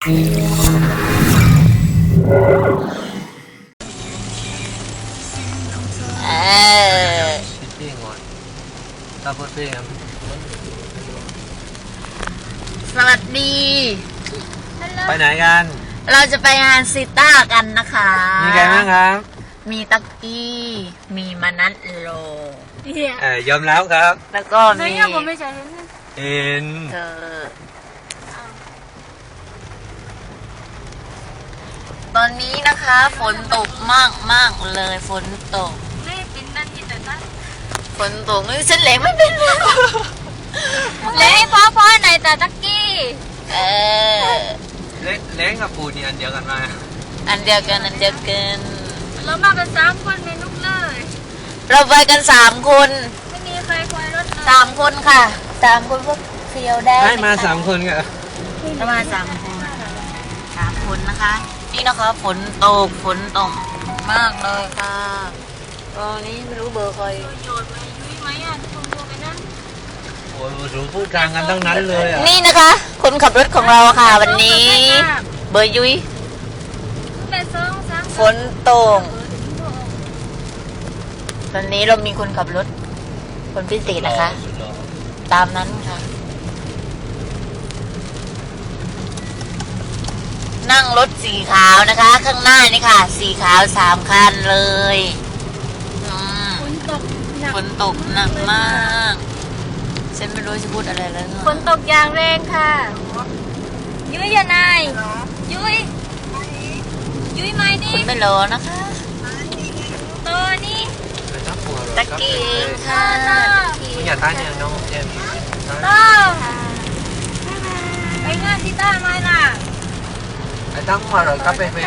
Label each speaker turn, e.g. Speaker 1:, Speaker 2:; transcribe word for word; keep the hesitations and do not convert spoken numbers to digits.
Speaker 1: เออสวัสดี
Speaker 2: ไปไหนกัน
Speaker 1: เราจะไปงานซิต้ากันนะคะ
Speaker 2: มีใครบ้างครับ
Speaker 1: มีตักกี้ มีมานัทโล
Speaker 2: เออยอมแล้วครับ
Speaker 1: แล้วก็มี
Speaker 2: เอ็น
Speaker 1: เธอตอนนี้นะคะฝนตกมากมากเลยฝนตกฝนตกนี่ฉันเหลงไม่เป็นเลย
Speaker 3: เล้งพ่อพ่อไหนแต่ตักกี้
Speaker 1: เออ
Speaker 2: เล้งเล้งกับปูนี่อันเดียวกันมา
Speaker 1: อันเดียวกันอันเดียวกัน
Speaker 3: เรามากันสามคนเมนุกเลย
Speaker 1: เราไปกันสามคน
Speaker 3: ไม่มีใครคอยรถเลย
Speaker 1: สามคนค่ะสามคนพวกเฟียวได้
Speaker 2: ให้มาสามคนกัน
Speaker 1: ประมาณสามคนสามคนนะคะ นี่นะคะฝนตกฝนตกมากเลยค่ะตอนนี้ไม่รู้เบอร์ใคร
Speaker 3: โยนไปยุ้ยไหมอ่ะที่ผมโทรไปนั่น
Speaker 2: โอ้ยรู้พูดกลางกันทั้งนั้นเลยอ่ะ
Speaker 1: นี่นะคะ คนขับรถของเราค่ะ วันนี้ เบอร์ยุ้ย
Speaker 3: เป็นสองสาม
Speaker 1: ฝนตกตอนนี้เรามีคนขับรถ คนพิเศษนะคะ ตามนั้นค่ะ นั่งรถสีขาวนะคะ ข้างหน้านี่ค่ะ สีขาวสามคันเลยอืม
Speaker 3: ฝนตกหนัก
Speaker 1: ฝนตกหนักมากฉันไม่รู้จะพูดอะไรแล้ว
Speaker 3: ฝนตกอย่างแรงค่ะ ยุ้ยอย่านายยุ้ยยุ้ยไหม
Speaker 1: คุ
Speaker 3: นี่
Speaker 1: ณไม่รอนะคะ
Speaker 3: ตัวนี้
Speaker 1: ตะกี้เองค่ะ
Speaker 2: คุณอย่าท้ายเนี่ยน้องเจม
Speaker 3: ต้อไปงานที่ต้าไหมล่ะ
Speaker 2: ไอ้ตั้งมาเลยครับไป